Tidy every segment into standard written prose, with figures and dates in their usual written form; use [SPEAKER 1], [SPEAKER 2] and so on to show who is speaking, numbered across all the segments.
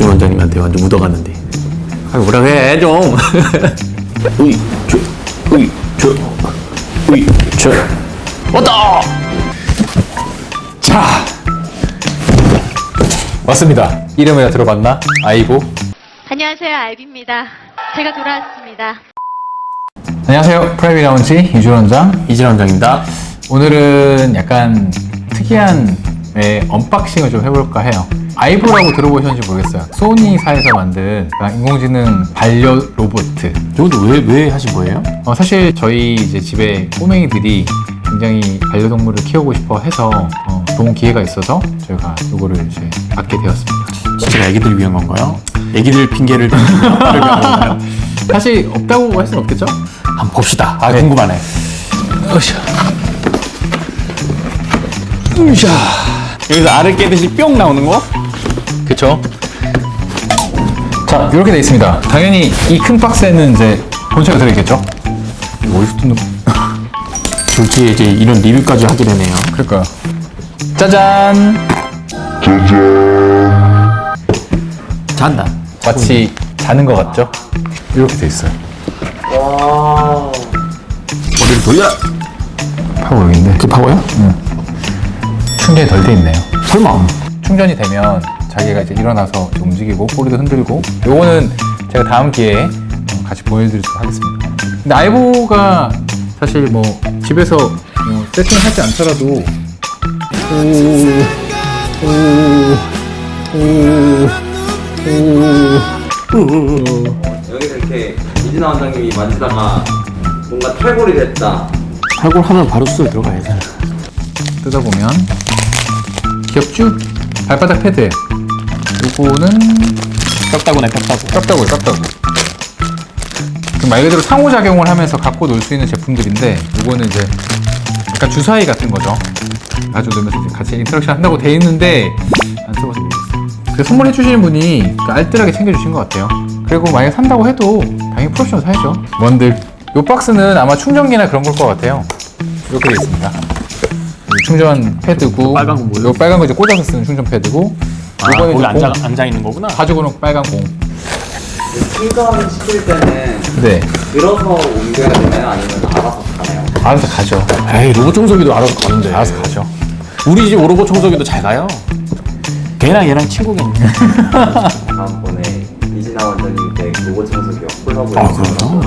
[SPEAKER 1] 이진 원장님한테 완전 묻어갔는데. 아, 뭐라 해 좀. 으이 저 왔다.
[SPEAKER 2] 자, 왔습니다. 이름이나 들어봤나? 아이보.
[SPEAKER 3] 안녕하세요, 알비입니다. 제가 돌아왔습니다.
[SPEAKER 2] 안녕하세요. 프라이빗 라운지 이준 원장.
[SPEAKER 1] 이진 원장입니다.
[SPEAKER 2] 오늘은 약간 특이한 언박싱을 좀 해볼까 해요. 아이보라고 들어보셨는지 모르겠어요. 소니사에서 만든 인공지능 반려 로봇.
[SPEAKER 1] 이것도 왜 하신 거예요?
[SPEAKER 2] 사실 저희 이제 집에 꼬맹이들이 굉장히 반려동물을 키우고 싶어 해서 좋은 기회가 있어서 저희가 이거를 이제 받게 되었습니다.
[SPEAKER 1] 진짜 애기들 위한 건가요? 애기들 핑계를 대는 건가요?
[SPEAKER 2] 사실 없다고 할 수는 없겠죠?
[SPEAKER 1] 한번 봅시다.
[SPEAKER 2] 네.
[SPEAKER 1] 궁금하네.
[SPEAKER 2] 으쌰.
[SPEAKER 1] 여기서 알을 깨듯이 뿅 나오는 거?
[SPEAKER 2] 그쵸? 자, 이렇게 돼 있습니다. 당연히 이 큰 박스에는 이제 본체가 들어있겠죠? 이거 어디서 뜯는
[SPEAKER 1] 졸지에 이제 이런 리뷰까지 하게 되네요.
[SPEAKER 2] 그럴까요? 짜잔!
[SPEAKER 1] 잔다.
[SPEAKER 2] 마치 자는 것 같죠? 이렇게 돼 있어요.
[SPEAKER 1] 머리를 돌려.
[SPEAKER 2] 파워 여기인데.
[SPEAKER 1] 그 파워요?
[SPEAKER 2] 충전이 덜 돼 있네요.
[SPEAKER 1] 설마.
[SPEAKER 2] 충전이 되면 자기가 이제 일어나서 이제 움직이고 꼬리도 흔들고, 요거는 제가 다음 기회에 같이 보여드리도록 하겠습니다. 근데 아이보가 사실 뭐 집에서 세팅하지 않더라도
[SPEAKER 4] 여기서 이렇게 이진아 원장님이 만지다가 뭔가 탈골이 됐다.
[SPEAKER 1] 탈골하면 바로 수술 들어가야지.
[SPEAKER 2] 뜯어보면 귀엽죠? 발바닥 패드. 요거는
[SPEAKER 1] 뼈다구네 뼈다구.
[SPEAKER 2] 깝다고. 그 말 그대로 상호작용을 하면서 갖고 놀 수 있는 제품들인데, 요거는 이제 약간 주사위 같은 거죠. 가지고 놀면서 이제 같이 인터랙션 한다고 돼 있는데 안 써봐서 모르겠어요. 그 선물해 주시는 분이 알뜰하게 챙겨주신 것 같아요. 그리고 만약에 산다고 해도 당연히 프로페셔널 사야죠. 뭔들 요 박스는 아마 충전기나 그런 걸 것 같아요. 이렇게 돼 있습니다. 충전 패드고,
[SPEAKER 1] 빨간 건 뭐예요?
[SPEAKER 2] 요 빨간 거 이제 꽂아서 쓰는 충전 패드고, 요거는
[SPEAKER 1] 거기
[SPEAKER 2] 이제
[SPEAKER 1] 앉아 있는 거구나.
[SPEAKER 2] 가지고는 빨간 공.
[SPEAKER 4] 충전 시킬 때는
[SPEAKER 2] 네,
[SPEAKER 4] 들어서 옮겨야 되나요? 아니면 알아서 가나요?
[SPEAKER 2] 알아서 가죠.
[SPEAKER 1] 에이 로봇 청소기도 알아서 가는데.
[SPEAKER 2] 알아서 가죠.
[SPEAKER 1] 우리 집 로봇 청소기도 잘 가요. 걔랑 얘랑 친구겠네.
[SPEAKER 4] 다음번에 이진아 원장님께 로봇 청소기 콜라보를
[SPEAKER 1] 아 그래요?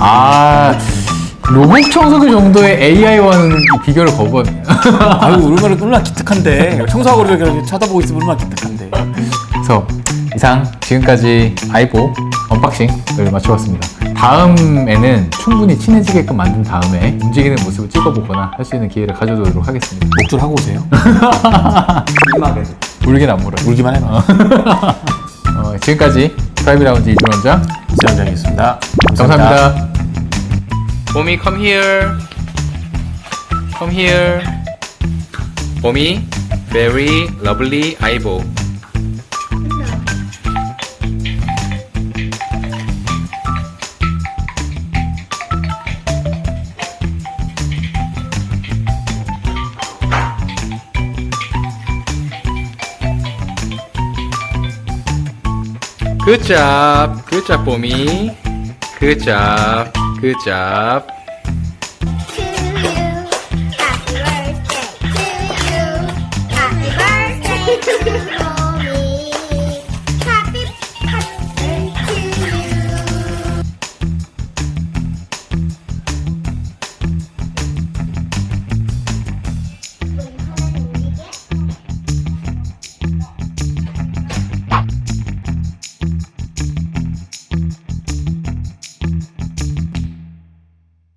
[SPEAKER 2] 로봇 청소기 정도의 AI와는 비교를 거부하네요.
[SPEAKER 1] 아유 얼마나 기특한데. 청소하고 이렇게 쳐다보고 있으면 얼마나 기특한데.
[SPEAKER 2] 그래서 이상 지금까지 아이보 언박싱을 마쳐봤습니다. 다음에는 충분히 친해지게끔 만든 다음에 움직이는 모습을 찍어보거나 할 수 있는 기회를 가져도록 하겠습니다.
[SPEAKER 1] 목줄 하고 오세요.
[SPEAKER 4] 심하게.
[SPEAKER 2] 울긴 안 물어요.
[SPEAKER 1] 울기만 해봐.
[SPEAKER 2] 지금까지 프라이빗 라운지 이준 원장
[SPEAKER 1] 이사원장이었습니다.
[SPEAKER 2] 감사합니다. 봄이 come here. Come here. 봄이 very lovely 아이보. Good job, 봄이. Good job.